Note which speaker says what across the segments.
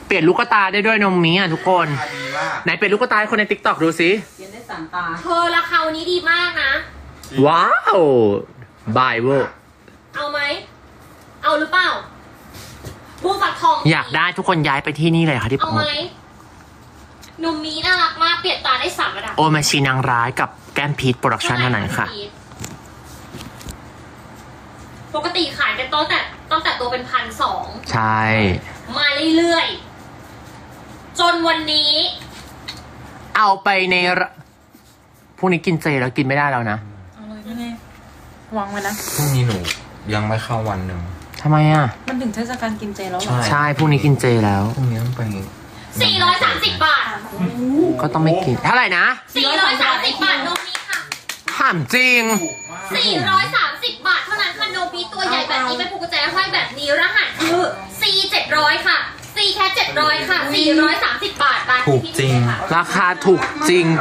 Speaker 1: เปลี่ยนลูกตาได้ด้วยนมมีอ่ะทุกคนไหนเปลี่ยนลูกตาให้คนใน TikTok ดูสิ
Speaker 2: เปลี่ยนได้3 ตา
Speaker 3: เธอราคาวันนี้ดีมากนะ
Speaker 1: ว้าวบายเวอร์
Speaker 3: เอาไหมเอาหรือเปล่าบูฟักทอง
Speaker 1: อยากได้ทุกคนย้ายไปที่นี่เลยค่ะที่
Speaker 3: เอาไหมนมมีน่ารักมากเปลี่ยนตาได้3 ระดับ
Speaker 1: โอมาชีนางร้ายกับแก้มพีทโปรดักชั่นเท่านั้นค่ะ
Speaker 3: ปกติขายกันตั้งแต่ตัวเป็น1,200
Speaker 1: ใช่
Speaker 3: มาเรื่อยๆจนวันนี้
Speaker 1: เอาไปในพรุ่งนี้กินเจแล้วกินไม่ได้แล้วนะ
Speaker 2: เอาเลยนี่ไงวางไว้นะ
Speaker 4: พรุ่งนี้หนูยังไม่เข้าวันหนึ่ง
Speaker 1: ทำไมอ่ะ
Speaker 2: มันถึงเทศกาลกินเจแล้วเหรอ
Speaker 1: ใช่พรุ่งนี้กินเจแล้ว
Speaker 4: พรุ่งนี้ต้องไป
Speaker 3: 430 บาท
Speaker 1: ก็ต้องไม่กินเท่าไหร่นะ
Speaker 3: 430 บาทนมมีค่ะ
Speaker 1: ถามจริง
Speaker 3: 430 บาทเท่านั้นค่ะโนบีตัวใหญ่แบบนี้เป็นผูกกุญแจห้อยแบบนี้รหัสคือ C700 ค่ะ C แค่700 ค่ะ 430 บาท
Speaker 4: ถูกจริง
Speaker 1: ราคาถูกจริง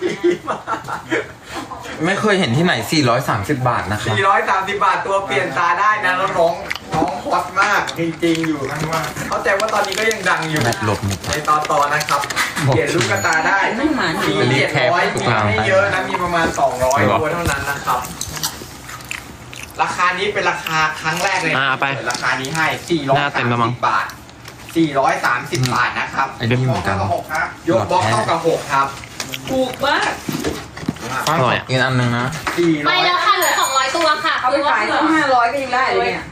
Speaker 4: ไม่เคยเห็นที่ไหน 430 บาทนะคะ
Speaker 5: 430 บาทตัวเปลี่ยนตาได้นะแล้วน้องฮอตมากจริงๆอยู่เข้าใจว่าตอนนี้ก็ยังดังอยู่
Speaker 4: แบตหลบหมด
Speaker 5: ในตอนนะครับ เปลี่ยนลูกตาได้
Speaker 2: ไม่หมา
Speaker 5: มี
Speaker 4: รีบแคป
Speaker 5: 700
Speaker 4: ทุก
Speaker 5: มี
Speaker 4: ราง
Speaker 5: ไม่เยอะนะมีประมาณ200ตัวเท่านั้นนะครับ ราคานี้เป็นราคาครั้งแรกเลย
Speaker 1: ไป
Speaker 5: ราคานี้ให้
Speaker 1: หน้าเต็มแล้วมั้ง
Speaker 5: 430 บาท 430 บาทนะครับ
Speaker 4: ไอ้นี่เหมือนกัน
Speaker 5: ยกบล็อกเท่ากับ6ครับ
Speaker 2: ถูกมาก
Speaker 1: อร่อยอะ
Speaker 4: อีกอันหนึ่งนะ
Speaker 3: ไปแล้วค่ะเหลือ200 ตัวค่ะ
Speaker 2: เอาไปขายตั้ง500ก็ยังได้เลยเนี่ย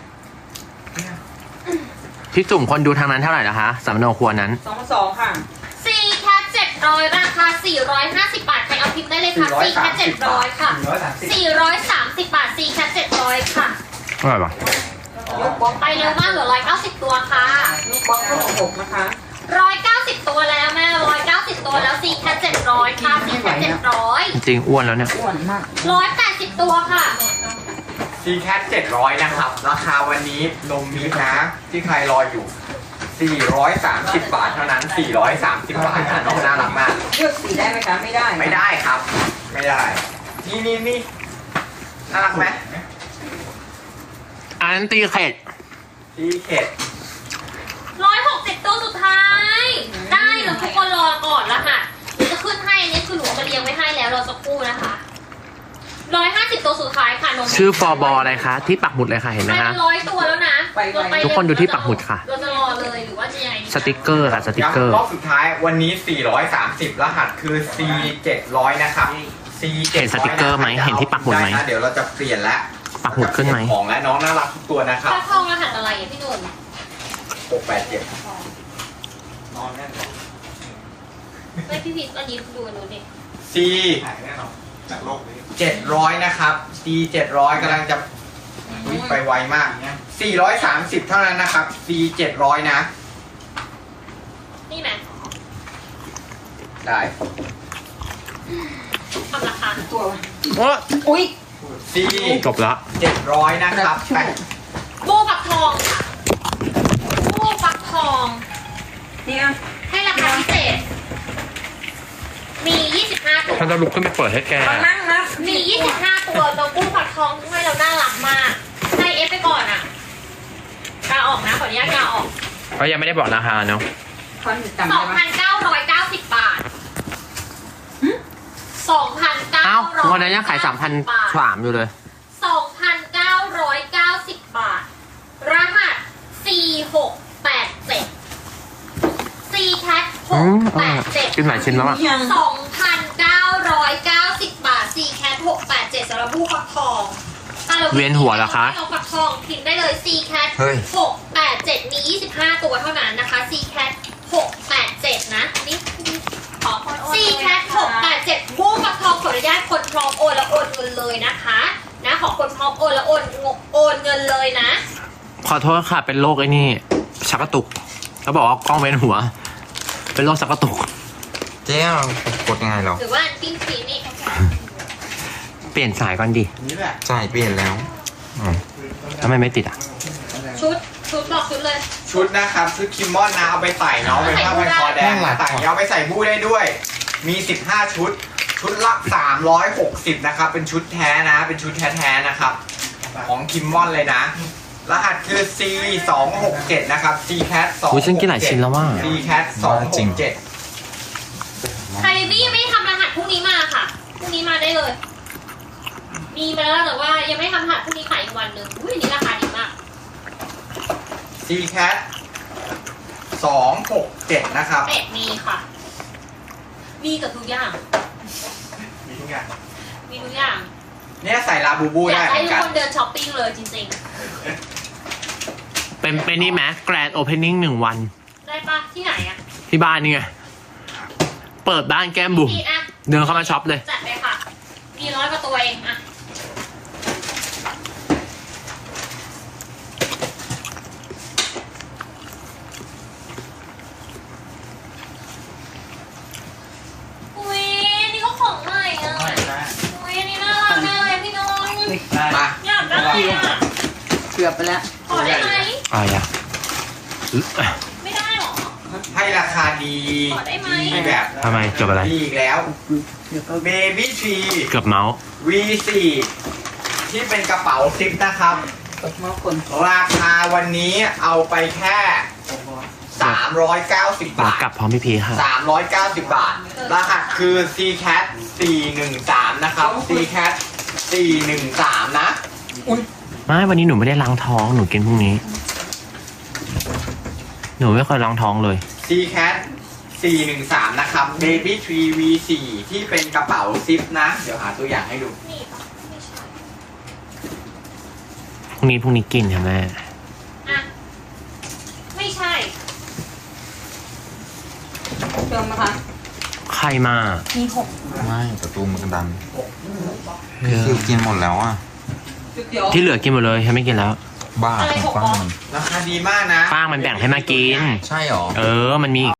Speaker 1: พี่จุ่มคนดูทางนั้นเท่าไหร่นะคะสำนวนครัวนั้น
Speaker 2: 2,200 ค่ะ
Speaker 3: C แค่700 ราคา 450 บาทไปเอาพิมพ์ได้เลยค่ะ C แค่700 ค่ะ 430 บาท C แค่700 ค่ะ
Speaker 1: อร่อยปะ
Speaker 2: ยกบล็อก
Speaker 3: ไปเร็วมากเหลือ190 ตัวค่ะ
Speaker 2: ยกบล็อกเท่ากับ6นะคะ
Speaker 3: 190 ตัวแล้วแม่190 ตัวแล้ว C แค่700 ค่ะ C แค่700
Speaker 1: จริงอ้วนแล้วเนี่ย
Speaker 2: อ้วนมาก
Speaker 3: 180 ตัวค่ะ
Speaker 5: ซีแคท700 นะครับ ราคาวันนี้นมมินะ ที่ใครรออยู่ 430 บาทเท่านั้น 430 บาทนะน้องน่ารักมาก
Speaker 2: เลือกสีได้ไหมคะไม่ได้
Speaker 5: ไม่ได้ครับ ไม่ได้ นี่น่ารักไหม
Speaker 1: อันนั้นตีเข็ด
Speaker 5: ซีเข็ด
Speaker 3: 160 ตัวสุดท้าย ได้แล้วทุกคนรอก่อนละค่ะเดี๋ยวจะขึ้นให้อันนี้คือหนูเอามาเรียงไว้ให้แล้วรอสักครู่นะคะ150 ตัวสุดท้ายค่ะนม
Speaker 1: ชื่อฟอร์บออะไรคะที่ปักหมุดเลยค่ะเห็นไหม
Speaker 3: ไป
Speaker 1: คะ
Speaker 3: 100 ตัวแล้วนะเราไป
Speaker 1: ทุกคนดูที่ปักหมุดค่ะ
Speaker 3: เราจะรอเลยหรือว่าจะยังไงดี
Speaker 1: สติกเกอร์ค่ะสติกเกอร์
Speaker 5: ย้ำรอบสุดท้ายวันนี้ 430 รหัสคือ C700 นะครับ C700
Speaker 1: เห็นสติกเกอร์ไหมเห็นที่ปักหมุดไหม
Speaker 5: ด้นะเดี๋ยวเราจะเปลี่ยนแล้ว
Speaker 1: ปักหมุดขึ้นไหม
Speaker 5: ของและน้องน่ารักทุกตัวนะครับ
Speaker 3: ฟักทองรหัสอะไรอ่ะพี่หนุ่ม
Speaker 5: 687
Speaker 3: ไม่พี่พีชอันนี้ดูดูดิ
Speaker 5: C 700 นะครับ C 700กำลังจะวิ่งไปไวมาก 430 เท่านั้นนะครับ C 700 นะ
Speaker 3: นี่ไหม
Speaker 5: ได้
Speaker 3: ทำราคา
Speaker 2: ตัว
Speaker 1: โอ้
Speaker 2: อุ้ย
Speaker 5: C
Speaker 1: จบละ
Speaker 5: 700 นะครับ
Speaker 3: บูฟักทองค่ะบูฟักทอง
Speaker 2: เนี่ย
Speaker 3: ให้ราคาพิเศษ มี 25 ตัว
Speaker 1: ฉันจะลุกขึ้นไปเปิดให้แก
Speaker 2: มานั่งนะ
Speaker 3: มี 25 ตัวเรากู้ฟักทองให้เราน่ารักมากให้เอฟไปก่อนอ่ะกาออกนะขออนุญาตกาออก
Speaker 1: เพราะยังไม่ได้บอกราคาเนาะ
Speaker 2: คอนจำได้ไหม
Speaker 3: 2,990 บาท 2,990
Speaker 1: เอ้าวันนั้นยังขาย3,300อยู่เลย
Speaker 3: 2,990 บาท รหัส 4687 C cat 687
Speaker 1: กินหลายชิ้นแล้วอ่ะ
Speaker 2: ยัง
Speaker 3: 2,990 บาท C cat 687สำหรับผู้ฟักทองอ่ะรา
Speaker 1: เวียนหัวเหรอคะ
Speaker 3: เราฟักทองพิมพ์ได้เลย C cat
Speaker 4: เฮ้ย
Speaker 3: 687 มี 25 ตัวเท่านั้นนะคะ C cat 687 นะนี่ขอ C cat 687ผู้ฟักทองขออนุญาตคนพร้อมโอนและโอนเงินเลยนะคะนะขอคนพร้อมโอนและโอนเงินเลยนะ
Speaker 1: ขอโทษค่ะเป็นโรคไอ้นี่ชักกระตุกเขาบอกว่ากล้องเวียนหัว เป็นโรคชักกระตุก
Speaker 4: เจ๊เรากดยังไงเรา
Speaker 3: หรือว่าปิ้งครีมนี่
Speaker 1: เปลี่ยนสายก่อนดิ
Speaker 5: นี่แหละ
Speaker 4: ใช่เปลี่ยนแล้วอ๋อ
Speaker 1: ทำไมไม่ติดอ่ะ
Speaker 3: ชุดบอกชุดเลย
Speaker 5: ชุดนะครับ ชุดคิมมอนนะ เอาไปใส่เนาะเป็นผ้าพันคอแดงใส่เอาไปใส่บู้ได้ด้วย มี 15 ชุด ชุดละ 360 นะครับ เป็นชุดแท้นะ เป็นชุดแท้ๆนะครับ ของคิมมอนเลยนะรหัสคือ C 2 6 7นะครับ C cat 2
Speaker 1: อุ๊ยฉันกินหลายชิ้นแล้วว่ะ
Speaker 5: C cat 2
Speaker 4: จริง
Speaker 5: 6 7
Speaker 3: ใครที่ยังไม่ทำรหัสพรุ่งนี้มาค่ะพรุ่งนี้มาได้เลย มีมาแล้วแต่ว่ายังไม่ทำรหัสพรุ่งนี้ขายอีกวันหนึ่งอุ้ยอันนี้ราคาดีมาก
Speaker 5: C cat 2 6 7นะครับ
Speaker 3: เป็ดมีค่ะ มีกับทุกอย่าง
Speaker 5: มีทุกอย่าง
Speaker 3: มีทุกอย่าง
Speaker 5: เนี่ยใส่ลาบูบู
Speaker 3: อยา
Speaker 5: ได้
Speaker 3: ก
Speaker 5: เหมื
Speaker 3: ให้
Speaker 5: อน
Speaker 3: ทุก
Speaker 5: กัน
Speaker 3: คนเดินช้อปปิ้งเลยจริง
Speaker 1: เป็นนี่ไหมแกรนด์โอเพนนิ่ง1 วัน
Speaker 3: ๆ ได้ปะที่ไหนอะ
Speaker 1: ที่บ้านนี่ไง เปิดบ้านแก้มบุ๋ม
Speaker 3: พี่อะ
Speaker 1: เดินเข้ามาช็อปเลย
Speaker 3: จัดไปค่ะ มี100 กว่าตัวเองอะอุ้ยนี่ก็ของใหม่อะอุ้ยอันนี้น่ารักมากเลยพี่น้อง
Speaker 5: มา
Speaker 3: อยากได้อะ
Speaker 2: เกือบไปแล้ว
Speaker 3: ขอได้ไหม
Speaker 1: อะไรอ่ะ
Speaker 3: ไม่ได้หรอ
Speaker 5: ให้ราคาดี
Speaker 3: ขอได้ไหม
Speaker 5: ดีแบบ
Speaker 1: ทำไมเกือบอะไร
Speaker 5: ดีอีกแล้ว
Speaker 2: เดี๋ยวก็
Speaker 5: Baby Tree
Speaker 1: เกือบเมาส์
Speaker 5: V4 ที่เป็นกระเป๋าซิปนะครับ
Speaker 2: ตกมาคน
Speaker 5: ราคาวันนี้เอาไปแค่ 390
Speaker 1: เดี๋ยว
Speaker 5: บาท
Speaker 1: กลับพร้อมพี่พีค่ะ
Speaker 5: 390 บาท รหัสคือ CCAT 413 นะครับ CCAT 413 นะ
Speaker 1: ไม่วันนี้หนูไม่ได้ล้างท้องหนูกินพรุ่งนี้ หนูไม่เคยล้างท้องเลย
Speaker 5: CCAT 413 นะครับ Baby Tree V4 ที่เป็นกระเป๋าซิปนะ เดี๋ยวหาตัวอย่างให้ดู
Speaker 3: นี่ปะไม่ใช่
Speaker 1: พรุ่งนี้กินค่ะแม่
Speaker 3: อะไม่ใช่
Speaker 2: เติมนะคะ
Speaker 1: ใครมา
Speaker 2: มี6
Speaker 4: ไม่ประตูมันดัน
Speaker 1: เออ
Speaker 4: คิวกินหมดแล้วอ่ะ
Speaker 2: จุดเดียว
Speaker 1: ที่เหลือกินหมดเลยฉันไม่กินแล้ว
Speaker 4: บ้า
Speaker 3: อะไร
Speaker 4: ของ
Speaker 3: ของ
Speaker 4: ป้ามัน
Speaker 5: ราคาดีมากนะ
Speaker 1: ป้างมันแบ่งให้มากิน
Speaker 4: ใช่หรอ
Speaker 1: เออ มันมี